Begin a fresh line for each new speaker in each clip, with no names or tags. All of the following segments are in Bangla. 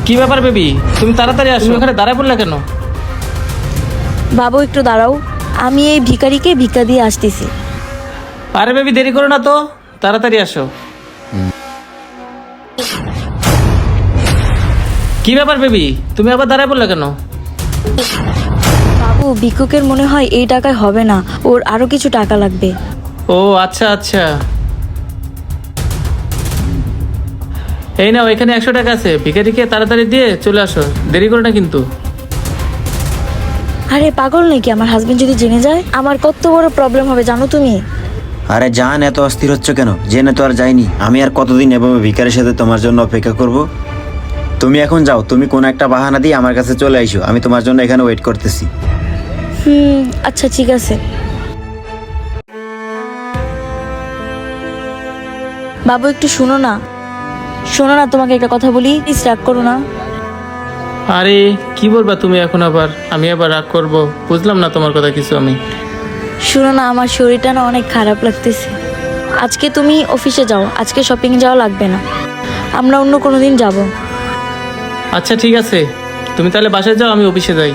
কি ব্যাপার বেবি, তুমি তাড়াতাড়ি আসো, তুমি ওখানে দাঁড়ায় পড়লে কেন?
বাবু একটু দাঁড়াও, আমি এই ভিখারিকে ভিক্ষা দিয়ে আসতেছি।
আরে বেবি দেরি করো না তো, তাড়াতাড়ি আসো। কি ব্যাপার বেবি, তুমি আবার দাঁড়ায় পড়লে কেন?
বাবু ভিক্ষুকের মনে হয় এই টাকায় হবে না, ওর আরো কিছু টাকা লাগবে।
ও আচ্ছা আচ্ছা, এই নাও এখানে 100 টাকা আছে, ভিখারিকে তাড়াতাড়ি দিয়ে চলে আসো, দেরি করো না কিন্তু।
আরে পাগল নাকি, আমার হাজবেন্ড যদি জেনে যায় আমার কত বড় প্রবলেম হবে জানো তুমি।
আরে জান, এত অস্থির হচ্ছ কেন? জেনে তো আর যাইনি, আমি আর কতদিন এভাবে ভিকারের সাথে তোমার জন্য অপেক্ষা করব? তুমি এখন যাও, তুমি কোন একটা বাহানা দিয়ে আমার কাছে চলে আইসো, আমি তোমার জন্য এখানে ওয়েট করতেছি।
আচ্ছা ঠিক আছে। বাবু একটু শোনো না, তোমাকে একটা কথা বলি, প্লিজ রাগ করো না।
আরে কি বলবা তুমি এখন আবার? আমি আবার রাগ করব? বুঝলাম না তোমার কথা কিছু আমি।
শোনো না, আমার শরীরটা না অনেক খারাপ লাগতেছে। আজকে তুমি অফিসে যাও, আজকে শপিং যাওয়া লাগবে না, আমরা অন্য কোনো দিন যাব।
আচ্ছা ঠিক আছে, তুমি তাহলে বাসায় যাও, আমি অফিসে যাই।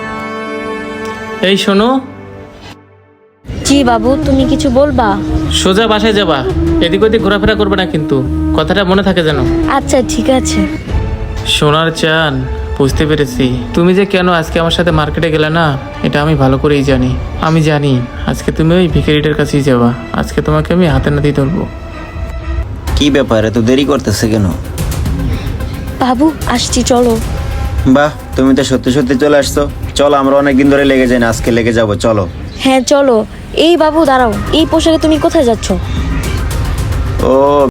এই শোনো,
জি বাবু, তুমি কিছু বলবা?
সোজা বাসায় যাবা, এদিক ওদিক ঘোরাফেরা করবে না কিন্তু, কথাটা মনে থাকে যেন।
আচ্ছা ঠিক আছে।
সোনার চান, বুঝতে পেরেছি তুমি যে কেন আজকে আমার সাথে মার্কেটে গেলে না, এটা আমি ভালো করেই জানি। আমি জানি আজকে তুমি ওই ভিখারিটার কাছেই যাবা, আজকে তোমাকে আমি হাতে নাতেই ধরবো।
কি ব্যাপার, এত দেরি করতেছে কেন?
বাবু আসছি, চলো।
বাহ, তুমি তো সত্যি সত্যি চলে আসছো। চলো, আমরা অনেকদিন ধরে লেগে যাই না, আজকে লেগে যাবো, চলো।
হ্যাঁ চলো। এই বাবু দাঁড়াও, এই পোশাকে তুমি কোথায় যাচ্ছ?
ও